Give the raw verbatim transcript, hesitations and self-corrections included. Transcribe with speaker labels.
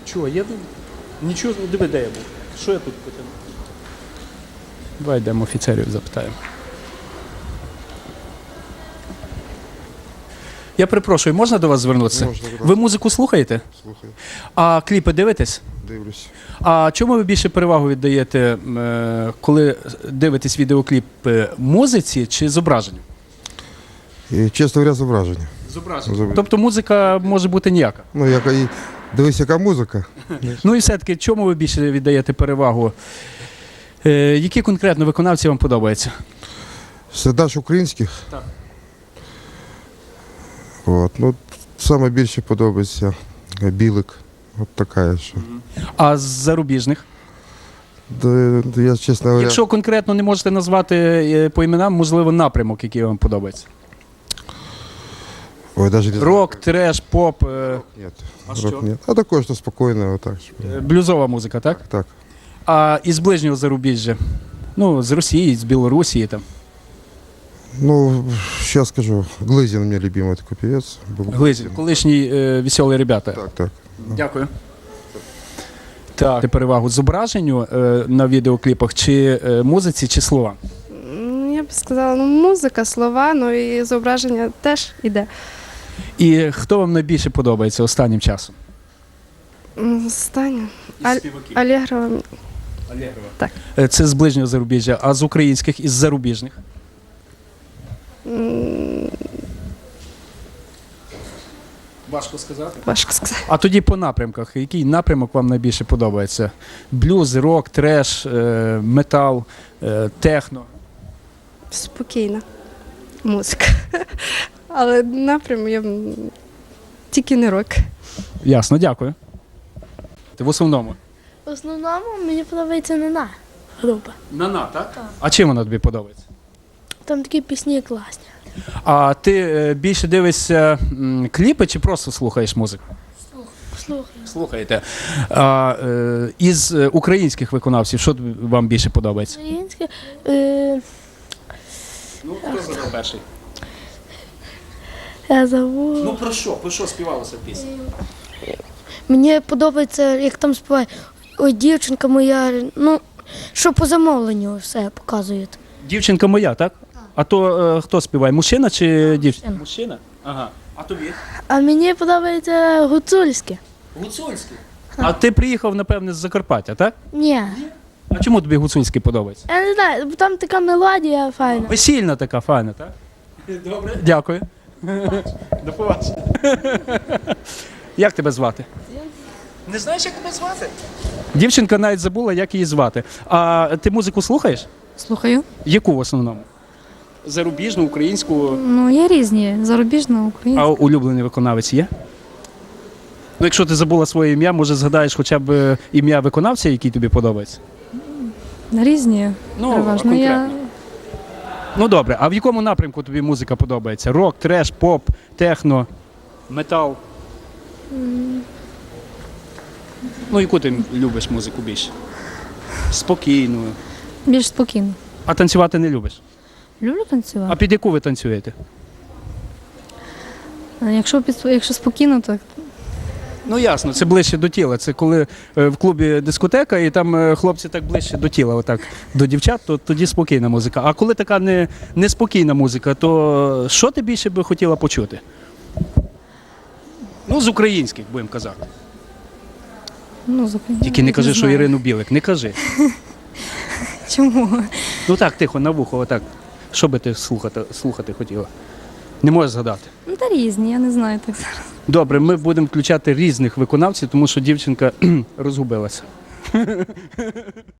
Speaker 1: Чого? Я тут нічого не диви, де я був. Що я тут потягнув? Давай йдемо офіцерів запитаємо. Я перепрошую, можна до вас звернутися?
Speaker 2: Можна, будь ласка.
Speaker 1: Ви музику слухаєте?
Speaker 2: Слухаю,
Speaker 1: А кліпи дивитесь?
Speaker 2: дивлюсь.
Speaker 1: А чому ви більше перевагу віддаєте, е, коли дивитесь відеокліпи, музиці чи зображенню?
Speaker 2: І, чесно говоря, зображення.
Speaker 1: Зображенню.
Speaker 2: Зображенню.
Speaker 1: Тобто музика може бути ніяка.
Speaker 2: Ну, яка і дивись, яка музика.
Speaker 1: Ну і все-таки, чому ви більше віддаєте перевагу? Е, які конкретно виконавці вам подобаються?
Speaker 2: Сердач українських.
Speaker 1: Так.
Speaker 2: От, ну, саме більше подобається Білик. От така, що.
Speaker 1: А з зарубіжних?
Speaker 2: Де, де я, чесно говоря,
Speaker 1: Якщо конкретно не можете назвати е, по іменам, можливо, напрямок, який вам подобається.
Speaker 2: ой, даже не знаю.
Speaker 1: Рок, треш, поп, е,
Speaker 2: Ні.
Speaker 1: А
Speaker 2: Рок
Speaker 1: що?
Speaker 2: ні. А також то спокійно, отак. щоб-
Speaker 1: е, блюзова музика, так?
Speaker 2: Так.
Speaker 1: А із ближнього зарубіжжя? Ну, з Росії, з Білорусі там.
Speaker 2: Ну, сейчас скажу. Глызин у меня любимый такой певец. был.
Speaker 1: Глизів, колишні е, веселі ребята.
Speaker 2: Так, так.
Speaker 1: Дякую. Так, перевагу зображенню е, на відеокліпах, чи е, музиці, чи слова?
Speaker 3: М, Я б сказала, ну музика, слова, ну і зображення теж іде.
Speaker 1: І хто вам найбільше подобається останнім часом?
Speaker 3: М, Останнє. Аль... Алєгрова.
Speaker 1: Алєгрова.
Speaker 3: Так.
Speaker 1: Е, Це з ближнього зарубіжжя, а з українських і з зарубіжних?
Speaker 3: м,
Speaker 1: Важко сказати.
Speaker 3: Важко сказати.
Speaker 1: А тоді по напрямках. Який напрямок вам найбільше подобається? Блюз, рок, треш, е, метал, е, техно?
Speaker 3: Спокійна музика. Але напряму я м, тільки не рок.
Speaker 1: Ясно, дякую. В основному?
Speaker 4: В основному мені подобається Нана група.
Speaker 1: Нана, так? Так. А чим вона тобі подобається?
Speaker 4: Там такі пісні класні.
Speaker 1: А ти е, більше дивишся м, кліпи чи просто слухаєш музику?
Speaker 4: Слухаю.
Speaker 1: Слухаєте. А, е, із е, українських виконавців, що тобі- вам більше подобається?
Speaker 4: Українське. Е,
Speaker 1: Ну, хто задав перший?
Speaker 4: я забув.
Speaker 1: Ну про що? Про що співалося в пісні?
Speaker 4: Мені подобається, як там співає. Ой, дівчинка моя. Ну, що по замовленню все показують.
Speaker 1: Дівчинка моя, так? А то е, хто співає? Мужчина чи дівчина?
Speaker 4: мужчина.
Speaker 1: Мужчина? Ага. А тобі?
Speaker 4: А мені подобається гуцульське.
Speaker 1: Гуцульський. А ти приїхав, напевне, з Закарпаття, так?
Speaker 4: Ні.
Speaker 1: А чому тобі гуцульський подобається?
Speaker 4: Я не знаю, бо там така мелодія файна.
Speaker 1: Весільна така файна, так? Добре. Дякую. До побачення. Як тебе звати? Не знаєш, як тебе звати? Дівчинка навіть забула, як її звати. А ти музику слухаєш?
Speaker 5: Слухаю.
Speaker 1: Яку в основному? Зарубіжну, українську,
Speaker 5: Ну, є різні. Зарубіжна, українська.
Speaker 1: а улюблений виконавець є? Ну, якщо ти забула своє ім'я, може згадаєш хоча б е, ім'я виконавця, який тобі подобається?
Speaker 5: Різні.
Speaker 1: Ну,
Speaker 5: переважно.
Speaker 1: а
Speaker 5: Я
Speaker 1: конкретно? Ну добре, а в якому напрямку тобі музика подобається? Рок, треш, поп, техно, метал? Ну, яку ти любиш музику більше? Спокійну.
Speaker 5: більш спокійно.
Speaker 1: А танцювати не любиш?
Speaker 5: Люблю
Speaker 1: А
Speaker 5: танцювати.
Speaker 1: під яку ви танцюєте?
Speaker 5: А якщо, під, якщо спокійно, то
Speaker 1: Ну ясно, це ближче до тіла. Це коли е, в клубі дискотека і там е, хлопці так ближче до тіла, отак, до дівчат, то тоді спокійна музика. А коли така не, неспокійна музика, то що ти більше би хотіла почути? Ну, з українських, будемо казати.
Speaker 5: ну, зупиняю.
Speaker 1: Тільки не кажи, що Ірину Білик, не кажи.
Speaker 5: Чому?
Speaker 1: Ну так, тихо, на вухо, отак. Що би ти слухати, слухати хотіла? Не можеш згадати.
Speaker 5: Ну, та різні, я не знаю так зараз.
Speaker 1: Добре, ми будемо включати різних виконавців, тому що дівчинка розгубилася.